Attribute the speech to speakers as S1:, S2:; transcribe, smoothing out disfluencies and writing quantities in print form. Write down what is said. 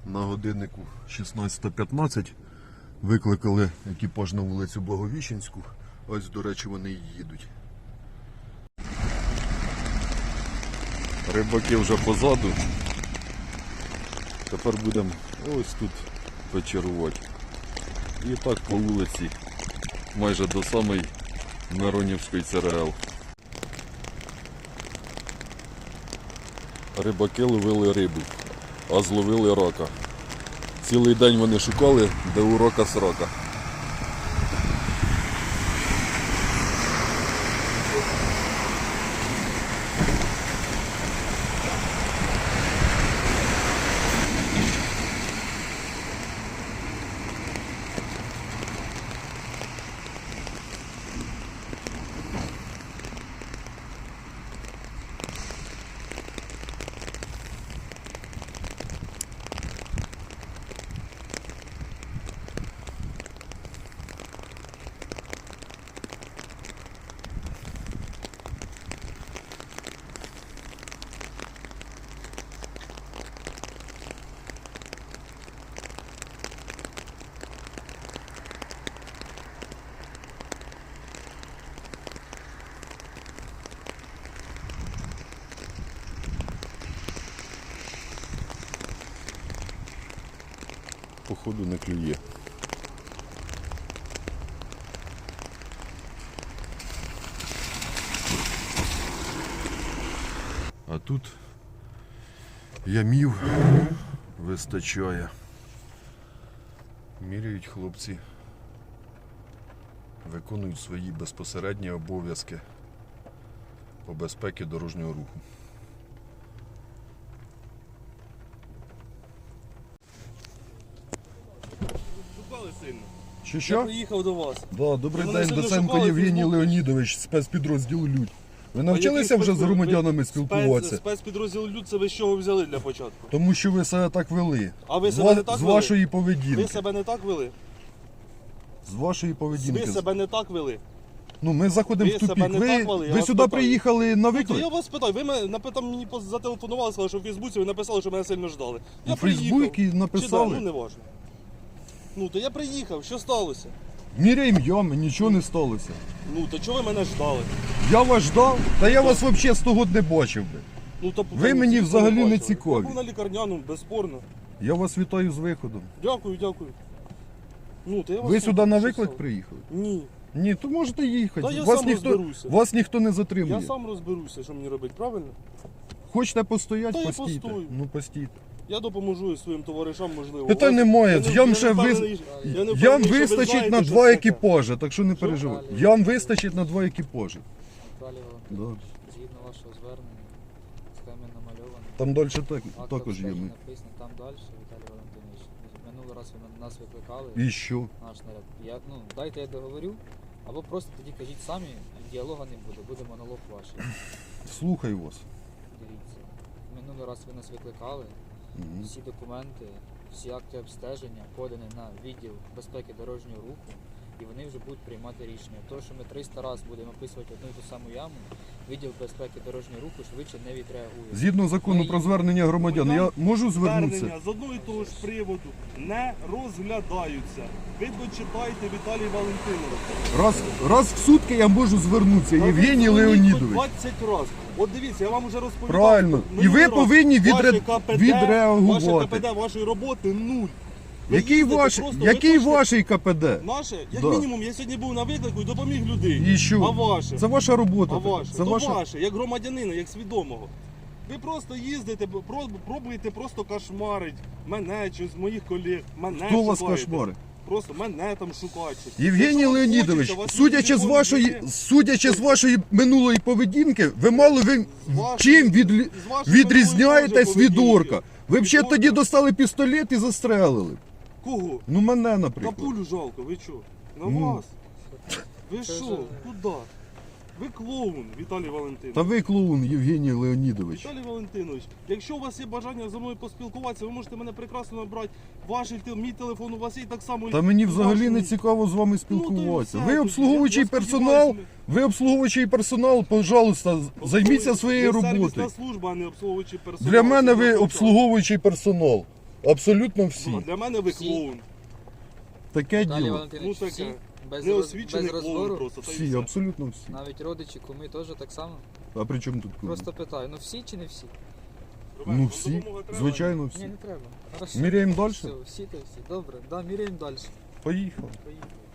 S1: На годиннику 16:15 викликали екіпаж на вулицю Благовіщенську. Ось, до речі, вони і їдуть. Рибаки вже позаду. Тепер будемо ось тут вечерувати. І так по вулиці, майже до самої Миронівської ЦРЛ. Рибаки ловили рибу, а зловили рака. Цілий день вони шукали, де у рака срака. Походу не клює. А тут ямів вистачає. Міряють хлопці, виконують свої безпосередні обов'язки по безпеці дорожнього руху. Що?
S2: Я приїхав до вас.
S1: Да, добрий
S2: Ви
S1: день,
S2: мене
S1: Доценко
S2: шукали,
S1: Євгеній
S2: Фейсбук.
S1: Леонідович, спецпідрозділ «Людь». Ви навчилися вже з громадянами спілкуватися?
S2: Спецпідрозділ «Люд» це ви з чого взяли для початку?
S1: Тому що ви себе так вели.
S2: А ви себе не так
S1: З
S2: вели?
S1: вашої поведінки.
S2: Ви себе не так вели?
S1: З вашої поведінки.
S2: Ви себе не так вели?
S1: Ну, ми заходимо
S2: Ви
S1: в тупік.
S2: себе не так вели, я
S1: Ви
S2: вас
S1: сюди
S2: питаю.
S1: приїхали на
S2: Ну, то
S1: виклик?
S2: я вас питаю, ви мені зателефонували, сказали, що в Фейсбуці ви написали, що мене сильно ждали. Я
S1: У Фейсбуці
S2: приїхав.
S1: написали?
S2: Чи да, ну не важно. Ну, то я приїхав, що сталося?
S1: Міряємо ями, нічого не сталося.
S2: Ну, то чого ви мене ждали?
S1: Я вас ждав, та я вас взагалі з того не бачив би.
S2: Ну, то,
S1: Ви мені
S2: всі
S1: взагалі не
S2: бачили.
S1: цікаві.
S2: Я був на лікарняному, безспорно.
S1: Я вас вітаю з виходом.
S2: Дякую. Ну, то я вас
S1: Ви
S2: слухаю,
S1: сюди на
S2: що
S1: виклик
S2: стало?
S1: приїхали?
S2: Ні.
S1: Ні, то можете їхати.
S2: Та я сам розберуся.
S1: Вас ніхто не затримує.
S2: Я сам розберуся, що мені робити, правильно?
S1: Хочете постояти,
S2: Та я
S1: постійте.
S2: постою.
S1: Ну постійте.
S2: Я допоможу своїм товаришам, можливо.
S1: Питань
S2: У вас-
S1: немає.
S2: я не-
S1: Ям
S2: я
S1: ще
S2: не
S1: виз-
S2: впевнений, я не
S1: Ям
S2: впевнений, що ви
S1: вистачить
S2: знаєте,
S1: на
S2: що
S1: 2
S2: це таке.
S1: екіпажі, так що не переживайте. Ям вистачить на 2 екіпажі.
S3: Далі
S1: Да.
S3: Валентинович, згідно вашого звернення, схеми намальовані.
S1: Там далі
S3: Акт
S1: також є.
S3: обстеження написано там далі, Віталій Валентинович. Минулий раз ви нас викликали,
S1: І що?
S3: наш наряд. Дайте я договорю, або просто тоді кажіть самі, діалога не буде, буде монолог ваш.
S1: Слухаю вас.
S3: Дивіться. Минулий раз ви нас викликали,
S1: Мгм.
S3: всі документи, всі акти обстеження подані на відділ безпеки дорожнього руху, і вони вже будуть приймати рішення. То, що ми 300 разів будемо описувати одну і ту саму яму, відділ безпеки дорожнього руху швидше не відреагує.
S1: Згідно закону про звернення громадян, я можу звернутися?
S2: Звернення з одного і того ж приводу не розглядаються. Ви дочитайте, Віталій Валентинович.
S1: Раз в сутки я можу звернутися, Євгеній Леонідович.
S2: 20 разів. От дивіться, я вам вже розповідав.
S1: Правильно. І ви повинні відреагувати.
S2: Ваше КПД вашої роботи нуль. Ви
S1: Який
S2: їздите
S1: ваш,
S2: просто,
S1: який
S2: ви хочете-
S1: ваший КПД?
S2: Наше, як
S1: Да.
S2: мінімум, я сьогодні був на виклику і допоміг людині.
S1: І що?
S2: А ваше?
S1: Це ваша робота.
S2: А ваше?
S1: Це
S2: То
S1: ваша...
S2: ваше, як громадянина, як свідомого. Ви просто їздите, пробуєте просто кошмарить мене чи з моїх колег. Мене
S1: Хто вас
S2: шукаєте.
S1: кошмарить?
S2: Просто мене там шукають.
S1: Євгеній
S2: Якщо вам
S1: Леонідович,
S2: хочеться, вас
S1: судячи з
S2: телефон
S1: вашої минулої поведінки, ви мало
S2: з
S1: чим
S2: з вашої
S1: відрізняєтесь
S2: минулої
S1: від
S2: поведінки.
S1: орка? Ви б ще
S2: Від
S1: тоді
S2: орка?
S1: достали пістолет і застрелили.
S2: Кого?
S1: Ну мене,
S2: Та
S1: наприклад.
S2: пулю жалко, ви що? На
S1: Ну.
S2: вас. Ви
S3: Це
S2: що?
S3: ж-
S2: Куди? Ви клоун, Віталій Валентинович.
S1: Та ви клоун, Євгеній Леонідович.
S2: Віталій Валентинович, якщо у вас є бажання зі мною поспілкуватися, ви можете мене прекрасно набрати. Мій телефон у вас є і так само.
S1: Та мені
S2: і
S1: взагалі
S2: ваш
S1: не
S2: мій.
S1: цікаво з вами
S2: Ну,
S1: спілкуватися.
S2: то і
S1: Ви
S2: все
S1: обслуговуючий
S2: тоді. Я
S1: персонал,
S2: сподіваюся,
S1: пожалуйста, займіться своєю
S2: ви
S1: роботою.
S2: сервісна служба, а не обслуговуючий персонал.
S1: Для мене
S2: Це
S1: ви
S2: за
S1: обслуговуючий персонал. Абсолютно
S2: Ну,
S1: всі.
S2: для мене ви
S3: Всі.
S2: клоун.
S1: Таке
S3: Далі
S1: діло.
S3: Валентинович,
S2: Ну,
S3: всі,
S2: таке.
S3: без,
S2: Неосвічений
S3: без
S2: клоун
S3: розбору,
S2: просто. та й
S1: Всі,
S2: все.
S1: абсолютно всі.
S3: навіть родичі, куми теж так само.
S1: А при чому тут куми?
S3: Просто питаю, ну всі чи не всі?
S2: Роман,
S1: Ну
S2: вам
S1: всі,
S2: допомога треба?
S1: звичайно
S3: Ні,
S1: всі.
S3: не треба. Хорошо.
S1: Міряємо далі?
S3: Все, всі то всі. Добре, да, міряємо далі.
S1: Поїхали.
S2: Поїхали.